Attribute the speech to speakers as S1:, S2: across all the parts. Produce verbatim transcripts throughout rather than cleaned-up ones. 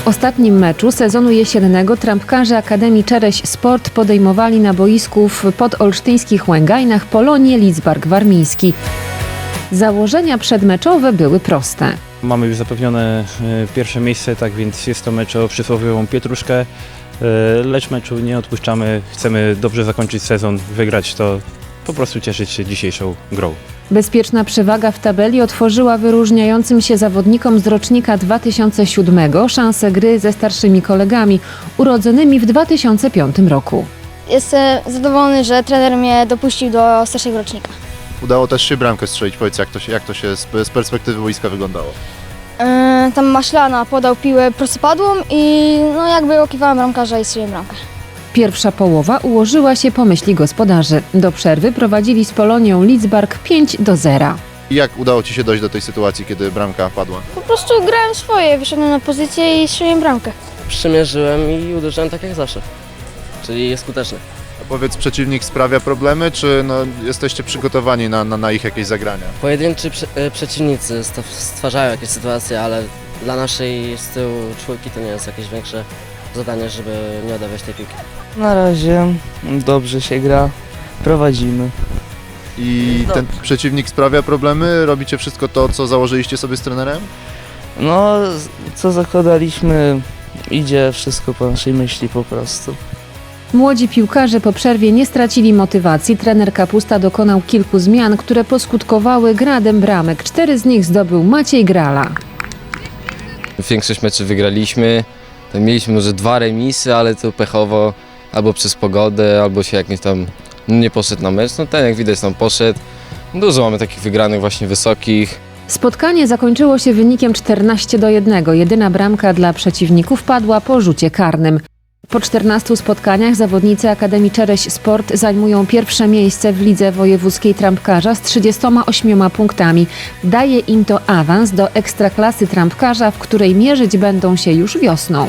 S1: W ostatnim meczu sezonu jesiennego trampkarze Akademii Czereś Sport podejmowali na boisku w podolsztyńskich Łęgajnach Polonię Lidzbark Warmiński. Założenia przedmeczowe były proste.
S2: Mamy już zapewnione pierwsze miejsce, tak więc jest to mecz o przysłowiową pietruszkę, lecz meczu nie odpuszczamy, chcemy dobrze zakończyć sezon, wygrać to, po prostu cieszyć się dzisiejszą grą.
S1: Bezpieczna przewaga w tabeli otworzyła wyróżniającym się zawodnikom z rocznika dwa tysiące siódmego szansę gry ze starszymi kolegami, urodzonymi w dwa tysiące piątym roku.
S3: Jestem zadowolony, że trener mnie dopuścił do starszego rocznika.
S4: Udało też się bramkę strzelić. Powiedz, jak to się, jak to się z, z perspektywy boiska wyglądało?
S3: Yy, tam Maślana podał piłę prostopadłą i no jakby okiwałem bramkarza i strzeliłem bramkę.
S1: Pierwsza połowa ułożyła się po myśli gospodarzy. Do przerwy prowadzili z Polonią Lidzbark pięć do zera.
S4: I jak udało Ci się dojść do tej sytuacji, kiedy bramka padła?
S3: Po prostu grałem swoje, wyszedłem na pozycję i strzeliłem bramkę.
S5: Przymierzyłem i uderzyłem tak jak zawsze, czyli jest skuteczny.
S4: A powiedz, przeciwnik sprawia problemy, czy no, jesteście przygotowani na, na, na ich jakieś zagrania?
S5: Pojedynczy prze, e, przeciwnicy sta- stwarzają jakieś sytuacje, ale dla naszej z tyłu czwórki to nie jest jakieś większe zadanie, żeby nie oddawać tej piłki.
S6: Na razie dobrze się gra, prowadzimy.
S4: I ten przeciwnik sprawia problemy? Robicie wszystko to, co założyliście sobie z trenerem?
S6: No, co zakładaliśmy, idzie wszystko po naszej myśli po prostu.
S1: Młodzi piłkarze po przerwie nie stracili motywacji. Trener Kapusta dokonał kilku zmian, które poskutkowały gradem bramek. Cztery z nich zdobył Maciej Grala.
S7: Większość meczy wygraliśmy. Mieliśmy może dwa remisy, ale to pechowo albo przez pogodę, albo się jakimś tam nie poszedł na mecz. No ten jak widać tam poszedł. Dużo mamy takich wygranych właśnie wysokich.
S1: Spotkanie zakończyło się wynikiem czternaście do jednego. Jedyna bramka dla przeciwników padła po rzucie karnym. Po czternastu spotkaniach zawodnicy Akademii Czereś Sport zajmują pierwsze miejsce w lidze wojewódzkiej trampkarza z trzydziestoma ośmioma punktami. Daje im to awans do ekstraklasy trampkarza, w której mierzyć będą się już wiosną.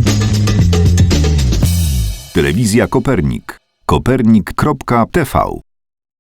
S8: Telewizja Kopernik. kopernik kropka t v